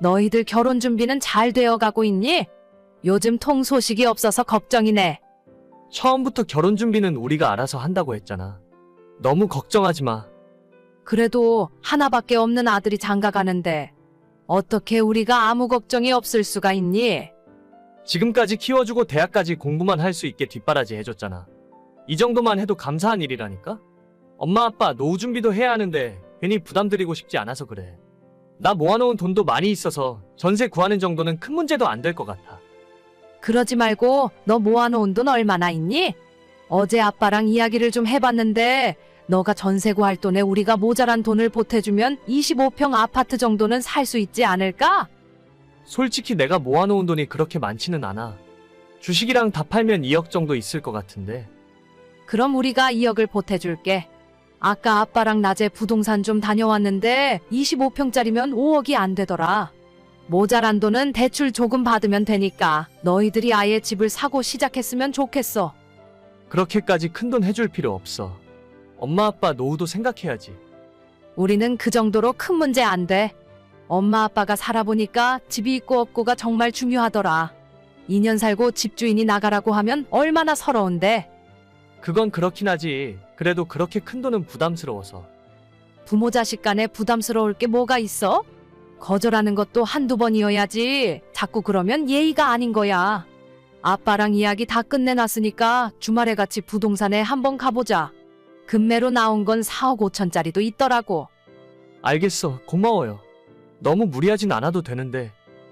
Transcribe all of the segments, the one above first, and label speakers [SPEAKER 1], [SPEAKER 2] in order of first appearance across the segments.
[SPEAKER 1] 너희들 결혼 준비는 잘 되어 가고 있니? 요즘 통 소식이 없어서 걱정이네.
[SPEAKER 2] 처음부터 결혼 준비는 우리가 알아서 한다고 했잖아. 너무 걱정하지 마.
[SPEAKER 1] 그래도 하나밖에 없는 아들이 장가 가는데 어떻게 우리가 아무 걱정이 없을 수가 있니?
[SPEAKER 2] 지금까지 키워주고 대학까지 공부만 할 수 있게 뒷바라지 해줬잖아. 이 정도만 해도 감사한 일이라니까? 엄마 아빠 노후 준비도 해야 하는데 괜히 부담드리고 싶지 않아서 그래. 나 모아놓은 돈도 많이 있어서 전세 구하는 정도는 큰 문제도 안 될 것 같아.
[SPEAKER 1] 그러지 말고 너 모아놓은 돈 얼마나 있니? 어제 아빠랑 이야기를 좀 해봤는데 너가 전세 구할 돈에 우리가 모자란 돈을 보태주면 25평 아파트 정도는 살 수 있지 않을까?
[SPEAKER 2] 솔직히 내가 모아놓은 돈이 그렇게 많지는 않아. 주식이랑 다 팔면 2억 정도 있을 것 같은데.
[SPEAKER 1] 그럼 우리가 2억을 보태줄게. 아까 아빠랑 낮에 부동산 좀 다녀왔는데 25평짜리면 5억이 안 되더라. 모자란 돈은 대출 조금 받으면 되니까 너희들이 아예 집을 사고 시작했으면 좋겠어.
[SPEAKER 2] 그렇게까지 큰 돈 해줄 필요 없어. 엄마 아빠 노후도 생각해야지.
[SPEAKER 1] 우리는 그 정도로 큰 문제 안 돼. 엄마 아빠가 살아보니까 집이 있고 없고가 정말 중요하더라. 2년 살고 집주인이 나가라고 하면 얼마나 서러운데.
[SPEAKER 2] 그건 그렇긴 하지. 그래도 그렇게 큰 돈은 부담스러워서.
[SPEAKER 1] 부모 자식 간에 부담스러울 게 뭐가 있어? 거절하는 것도 한두 번이어야지. 자꾸 그러면 예의가 아닌 거야. 아빠랑 이야기 다 끝내놨으니까 주말에 같이 부동산에 한번 가보자. 금매로 나온 건 4억 5천짜리도 있더라고.
[SPEAKER 2] 알겠어. 고마워요. 너무 무리하진 않아도 되는데.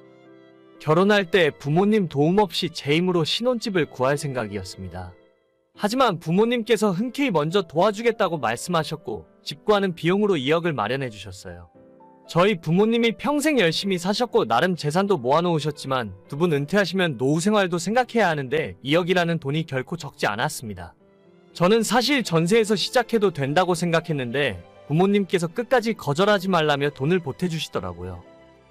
[SPEAKER 2] 결혼할 때 부모님 도움 없이 제 힘으로 신혼집을 구할 생각이었습니다. 하지만 부모님께서 흔쾌히 먼저 도와주겠다고 말씀하셨고 집 구하는 비용으로 2억을 마련해 주셨어요. 저희 부모님이 평생 열심히 사셨고 나름 재산도 모아놓으셨지만 두 분 은퇴하시면 노후 생활도 생각해야 하는데 2억이라는 돈이 결코 적지 않았습니다. 저는 사실 전세에서 시작해도 된다고 생각했는데 부모님께서 끝까지 거절하지 말라며 돈을 보태주시더라고요.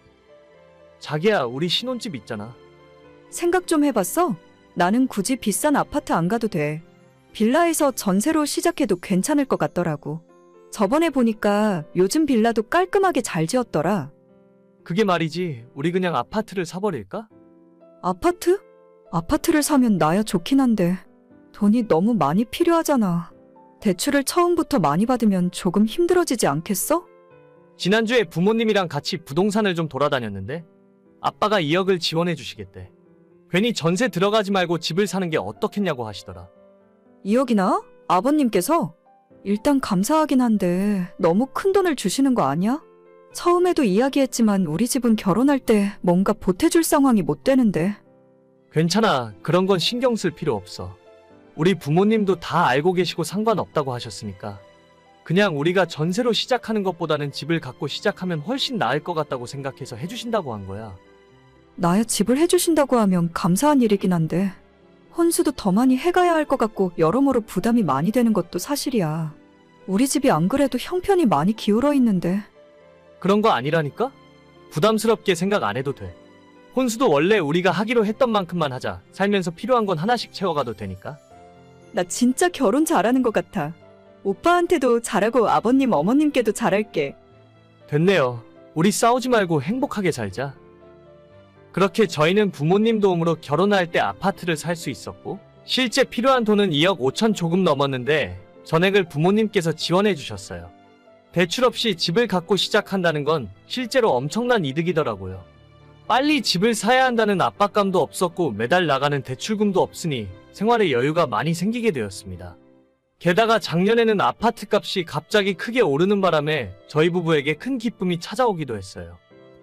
[SPEAKER 2] 자기야, 우리 신혼집 있잖아.
[SPEAKER 3] 생각 좀 해봤어? 나는 굳이 비싼 아파트 안 가도 돼. 빌라에서 전세로 시작해도 괜찮을 것 같더라고. 저번에 보니까 요즘 빌라도 깔끔하게 잘 지었더라.
[SPEAKER 2] 그게 말이지, 우리 그냥 아파트를 사버릴까?
[SPEAKER 3] 아파트? 아파트를 사면 나야 좋긴 한데 돈이 너무 많이 필요하잖아. 대출을 처음부터 많이 받으면 조금 힘들어지지 않겠어?
[SPEAKER 2] 지난주에 부모님이랑 같이 부동산을 좀 돌아다녔는데 아빠가 2억을 지원해 주시겠대. 괜히 전세 들어가지 말고 집을 사는 게 어떻겠냐고 하시더라.
[SPEAKER 3] 2억이나? 아버님께서? 일단 감사하긴 한데 너무 큰 돈을 주시는 거 아니야? 처음에도 이야기했지만 우리 집은 결혼할 때 뭔가 보태줄 상황이 못 되는데.
[SPEAKER 2] 괜찮아. 그런 건 신경 쓸 필요 없어. 우리 부모님도 다 알고 계시고 상관없다고 하셨으니까. 그냥 우리가 전세로 시작하는 것보다는 집을 갖고 시작하면 훨씬 나을 것 같다고 생각해서 해주신다고 한 거야.
[SPEAKER 3] 나야 집을 해주신다고 하면 감사한 일이긴 한데 혼수도 더 많이 해가야 할 것 같고 여러모로 부담이 많이 되는 것도 사실이야. 우리 집이 안 그래도 형편이 많이 기울어 있는데.
[SPEAKER 2] 그런 거 아니라니까? 부담스럽게 생각 안 해도 돼. 혼수도 원래 우리가 하기로 했던 만큼만 하자. 살면서 필요한 건 하나씩 채워가도 되니까.
[SPEAKER 3] 나 진짜 결혼 잘하는 것 같아. 오빠한테도 잘하고 아버님 어머님께도 잘할게.
[SPEAKER 2] 됐네요. 우리 싸우지 말고 행복하게 살자. 그렇게 저희는 부모님 도움으로 결혼할 때 아파트를 살 수 있었고 실제 필요한 돈은 2억 5천 조금 넘었는데 전액을 부모님께서 지원해 주셨어요. 대출 없이 집을 갖고 시작한다는 건 실제로 엄청난 이득이더라고요. 빨리 집을 사야 한다는 압박감도 없었고 매달 나가는 대출금도 없으니 생활에 여유가 많이 생기게 되었습니다. 게다가 작년에는 아파트 값이 갑자기 크게 오르는 바람에 저희 부부에게 큰 기쁨이 찾아오기도 했어요.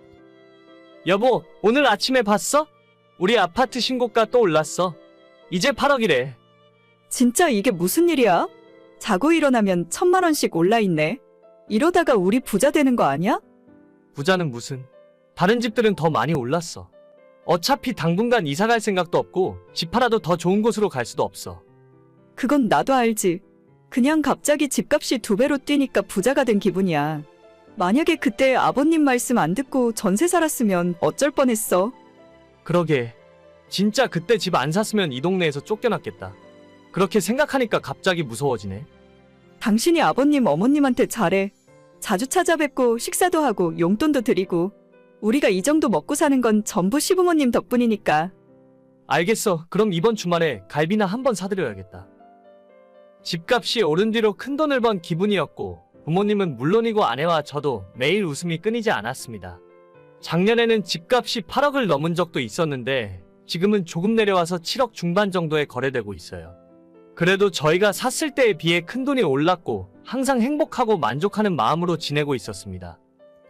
[SPEAKER 2] 여보, 오늘 아침에 봤어? 우리 아파트 신고가 또 올랐어. 이제 8억이래.
[SPEAKER 3] 진짜 이게 무슨 일이야? 자고 일어나면 1,000만 원씩 올라있네. 이러다가 우리 부자 되는 거 아니야?
[SPEAKER 2] 부자는 무슨. 다른 집들은 더 많이 올랐어. 어차피 당분간 이사 갈 생각도 없고 집 팔아도 더 좋은 곳으로 갈 수도 없어.
[SPEAKER 3] 그건 나도 알지. 그냥 갑자기 집값이 2배로 뛰니까 부자가 된 기분이야. 만약에 그때 아버님 말씀 안 듣고 전세 살았으면 어쩔 뻔했어.
[SPEAKER 2] 그러게. 진짜 그때 집 안 샀으면 이 동네에서 쫓겨났겠다. 그렇게 생각하니까 갑자기 무서워지네.
[SPEAKER 3] 당신이 아버님 어머님한테 잘해. 자주 찾아뵙고 식사도 하고 용돈도 드리고. 우리가 이 정도 먹고 사는 건 전부 시부모님 덕분이니까.
[SPEAKER 2] 알겠어. 그럼 이번 주말에 갈비나 한번 사드려야겠다. 집값이 오른 뒤로 큰돈을 번 기분이었고 부모님은 물론이고 아내와 저도 매일 웃음이 끊이지 않았습니다. 작년에는 집값이 8억을 넘은 적도 있었는데 지금은 조금 내려와서 7억 중반 정도에 거래되고 있어요. 그래도 저희가 샀을 때에 비해 큰돈이 올랐고 항상 행복하고 만족하는 마음으로 지내고 있었습니다.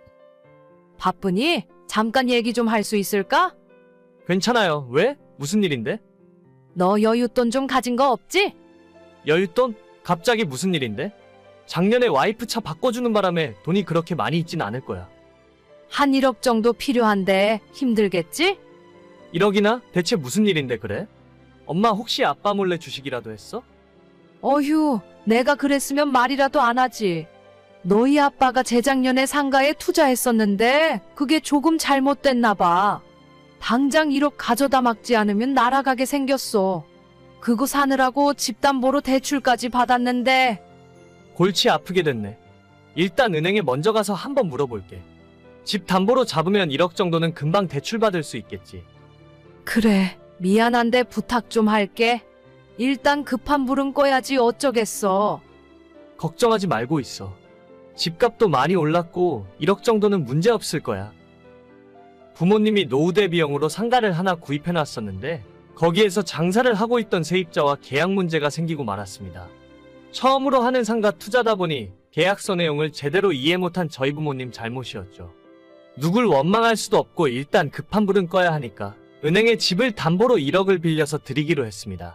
[SPEAKER 1] 바쁘니? 잠깐 얘기 좀 할 수 있을까?
[SPEAKER 2] 괜찮아요. 왜? 무슨 일인데?
[SPEAKER 1] 너 여윳돈 좀 가진 거 없지?
[SPEAKER 2] 여윳돈? 갑자기 무슨 일인데? 작년에 와이프 차 바꿔주는 바람에 돈이 그렇게 많이 있진 않을 거야.
[SPEAKER 1] 한 1억 정도 필요한데 힘들겠지?
[SPEAKER 2] 1억이나? 대체 무슨 일인데 그래? 엄마 혹시 아빠 몰래 주식이라도 했어?
[SPEAKER 1] 어휴, 내가 그랬으면 말이라도 안 하지. 너희 아빠가 재작년에 상가에 투자했었는데 그게 조금 잘못됐나 봐. 당장 1억 가져다 막지 않으면 날아가게 생겼어. 그거 사느라고 집담보로 대출까지 받았는데.
[SPEAKER 2] 골치 아프게 됐네. 일단 은행에 먼저 가서 한번 물어볼게. 집 담보로 잡으면 1억 정도는 금방 대출받을 수 있겠지.
[SPEAKER 1] 그래, 미안한데 부탁 좀 할게. 일단 급한 불은 꺼야지 어쩌겠어.
[SPEAKER 2] 걱정하지 말고 있어. 집값도 많이 올랐고 1억 정도는 문제 없을 거야. 부모님이 노후 대비용으로 상가를 하나 구입해놨었는데 거기에서 장사를 하고 있던 세입자와 계약 문제가 생기고 말았습니다. 처음으로 하는 상가 투자다 보니 계약서 내용을 제대로 이해 못한 저희 부모님 잘못이었죠. 누굴 원망할 수도 없고 일단 급한 불은 꺼야 하니까 은행에 집을 담보로 1억을 빌려서 드리기로 했습니다.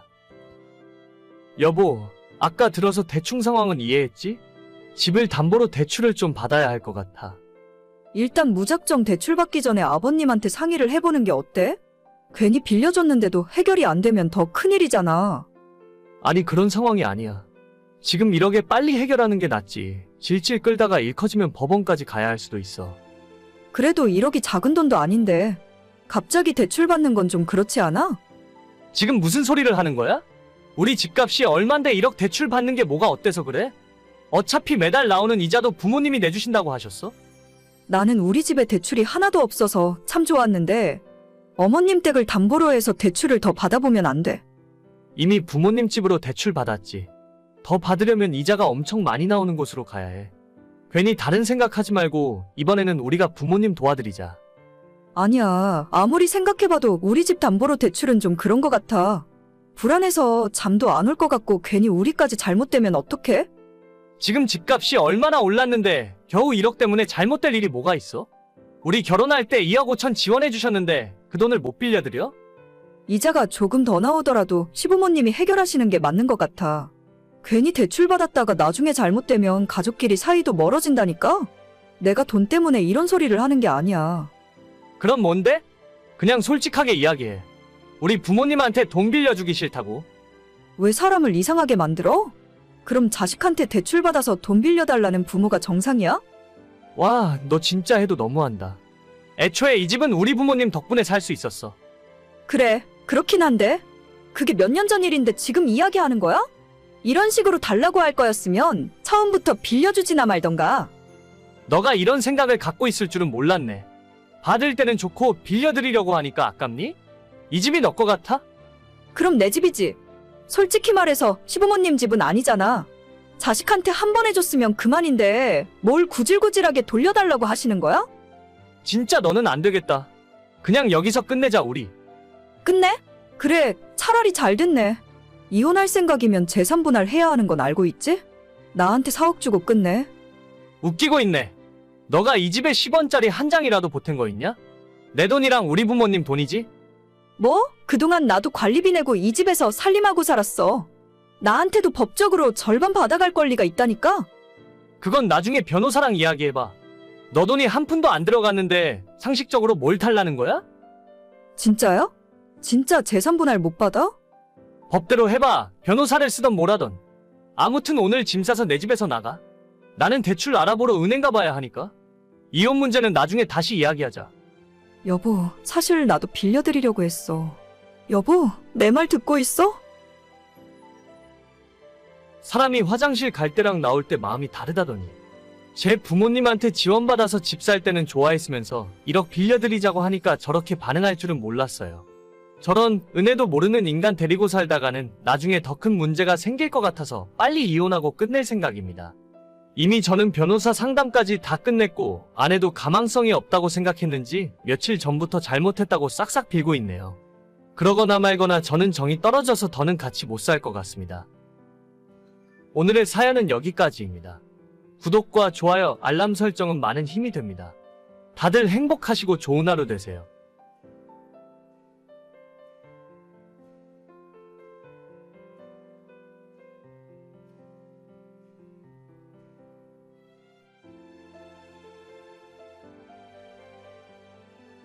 [SPEAKER 2] 여보, 아까 들어서 대충 상황은 이해했지? 집을 담보로 대출을 좀 받아야 할 것 같아.
[SPEAKER 3] 일단 무작정 대출 받기 전에 아버님한테 상의를 해보는 게 어때? 괜히 빌려줬는데도 해결이 안 되면 더 큰일이잖아.
[SPEAKER 2] 아니 그런 상황이 아니야. 지금 1억에 빨리 해결하는 게 낫지. 질질 끌다가 일 커지면 법원까지 가야 할 수도 있어.
[SPEAKER 3] 그래도 1억이 작은 돈도 아닌데 갑자기 대출 받는 건 좀 그렇지 않아?
[SPEAKER 2] 지금 무슨 소리를 하는 거야? 우리 집값이 얼만데 1억 대출 받는 게 뭐가 어때서 그래? 어차피 매달 나오는 이자도 부모님이 내주신다고 하셨어?
[SPEAKER 3] 나는 우리 집에 대출이 하나도 없어서 참 좋았는데 어머님 댁을 담보로 해서 대출을 더 받아보면 안 돼.
[SPEAKER 2] 이미 부모님 집으로 대출 받았지. 더 받으려면 이자가 엄청 많이 나오는 곳으로 가야 해. 괜히 다른 생각하지 말고 이번에는 우리가 부모님 도와드리자.
[SPEAKER 3] 아니야. 아무리 생각해봐도 우리 집 담보로 대출은 좀 그런 것 같아. 불안해서 잠도 안 올 것 같고 괜히 우리까지 잘못되면 어떡해?
[SPEAKER 2] 지금 집값이 얼마나 올랐는데 겨우 1억 때문에 잘못될 일이 뭐가 있어? 우리 결혼할 때 2억 5천 지원해 주셨는데 그 돈을 못 빌려드려?
[SPEAKER 3] 이자가 조금 더 나오더라도 시부모님이 해결하시는 게 맞는 것 같아. 괜히 대출 받았다가 나중에 잘못되면 가족끼리 사이도 멀어진다니까? 내가 돈 때문에 이런 소리를 하는 게 아니야.
[SPEAKER 2] 그럼 뭔데? 그냥 솔직하게 이야기해. 우리 부모님한테 돈 빌려주기 싫다고.
[SPEAKER 3] 왜 사람을 이상하게 만들어? 그럼 자식한테 대출 받아서 돈 빌려달라는 부모가 정상이야?
[SPEAKER 2] 와, 너 진짜 해도 너무한다. 애초에 이 집은 우리 부모님 덕분에 살 수 있었어.
[SPEAKER 3] 그래, 그렇긴 한데 그게 몇 년 전 일인데 지금 이야기하는 거야? 이런 식으로 달라고 할 거였으면 처음부터 빌려주지나 말던가.
[SPEAKER 2] 너가 이런 생각을 갖고 있을 줄은 몰랐네. 받을 때는 좋고 빌려드리려고 하니까 아깝니? 이 집이 너 거 같아?
[SPEAKER 3] 그럼 내 집이지. 솔직히 말해서 시부모님 집은 아니잖아. 자식한테 한 번 해줬으면 그만인데 뭘 구질구질하게 돌려달라고 하시는 거야?
[SPEAKER 2] 진짜 너는 안 되겠다. 그냥 여기서 끝내자 우리.
[SPEAKER 3] 끝내? 그래, 차라리 잘 됐네. 이혼할 생각이면 재산 분할해야 하는 건 알고 있지? 나한테 4억 주고 끝내.
[SPEAKER 2] 웃기고 있네. 너가 이 집에 10원짜리 한 장이라도 보탠 거 있냐? 내 돈이랑 우리 부모님 돈이지?
[SPEAKER 3] 뭐? 그동안 나도 관리비 내고 이 집에서 살림하고 살았어. 나한테도 법적으로 절반 받아갈 권리가 있다니까?
[SPEAKER 2] 그건 나중에 변호사랑 이야기해봐. 너 돈이 한 푼도 안 들어갔는데 상식적으로 뭘 탈라는 거야?
[SPEAKER 3] 진짜야? 진짜 재산 분할 못 받아?
[SPEAKER 2] 법대로 해봐. 변호사를 쓰던 뭐라던. 아무튼 오늘 짐 싸서 내 집에서 나가. 나는 대출 알아보러 은행 가봐야 하니까. 이혼 문제는 나중에 다시 이야기하자.
[SPEAKER 3] 여보, 사실 나도 빌려드리려고 했어. 여보, 내 말 듣고 있어?
[SPEAKER 2] 사람이 화장실 갈 때랑 나올 때 마음이 다르다더니. 제 부모님한테 지원받아서 집 살 때는 좋아했으면서 1억 빌려드리자고 하니까 저렇게 반응할 줄은 몰랐어요. 저런 은혜도 모르는 인간 데리고 살다가는 나중에 더 큰 문제가 생길 것 같아서 빨리 이혼하고 끝낼 생각입니다. 이미 저는 변호사 상담까지 다 끝냈고 아내도 가망성이 없다고 생각했는지 며칠 전부터 잘못했다고 싹싹 빌고 있네요. 그러거나 말거나 저는 정이 떨어져서 더는 같이 못 살 것 같습니다. 오늘의 사연은 여기까지입니다. 구독과 좋아요, 알람 설정은 많은 힘이 됩니다. 다들 행복하시고 좋은 하루 되세요.